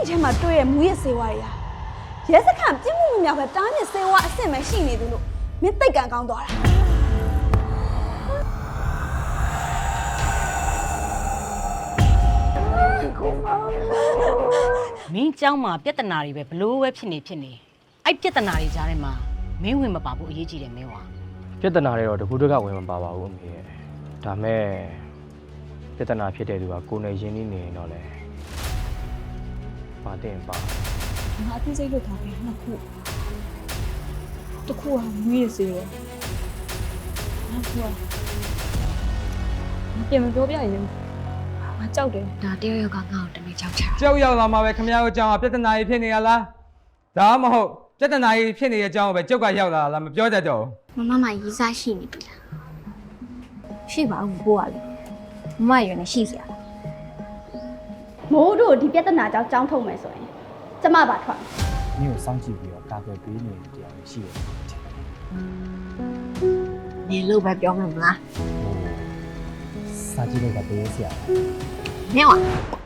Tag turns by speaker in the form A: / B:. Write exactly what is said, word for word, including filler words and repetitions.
A: ထဲမှာတွေ့ရမူရဲ့စေဝါတွေဟာရဲစခန်းပြင်းမှုများပဲတားမြစ်စေဝါအဆင့်ပဲရှိနေသူလို့မင်းသိတ်ကန်ကောင်းသွားတာ
B: မင်းเจ้าမှာပြဿနာတွေပဲဘလို့ပဲဖြစ်နေဖြစ်နေအဲ့ပြဿနာတွေကြားထဲမှာမင်းဝင်မပါဘူးအရေးကြီးတယ်မင်းဝါ
C: ပြဿနာတွေတော့တကူတကဝင်မပါပါဘူးအမေရဲ့ဒါမဲ့ပြဿနာဖြစ်တဲ့သူကကိုယ်နဲ့ရင်းနှီးနေရင်တော့လေပါတင်ပါ
A: ငါအသိစိတ်လွတ်ထားပြီနှစ်ခုတစ်ခုကမူရဲ့စေဝါနောက်ခုကမပြင်မပြောပြရင်ငါကြောက်တယ်
D: ဒါတယောက်ယောက်ကငါ့ကိုတနေ့ကြောက်ချတာ
E: ကြောက်ရောက်လာမှာပဲခမရတို့ကြောင်ပြဿနာကြီးဖြစ်နေရလားဒါမှမဟုတ်ပြဿနာကြီးဖြစ်နေတဲ့အကြောင်းကိုပဲကြောက်ကရောက်လာလားမပြောတတ်တော့
D: မမမရေးစားရှိနေပြီလားရှိပါဘူးကိုကလေမမရွယ်နေရှိစရာလား
F: မိုးတို့ဒီပြဿနာကြောင့်ကြောင်းထုတ်မယ်ဆိုရင်ကျမပါထွက်
G: 你有桑吉比较大概比你这样细的。
D: နေလို့ပဲပြောမှာမလား
G: စာကြည့်လို့ကပေးစရာ
D: မင်းဝ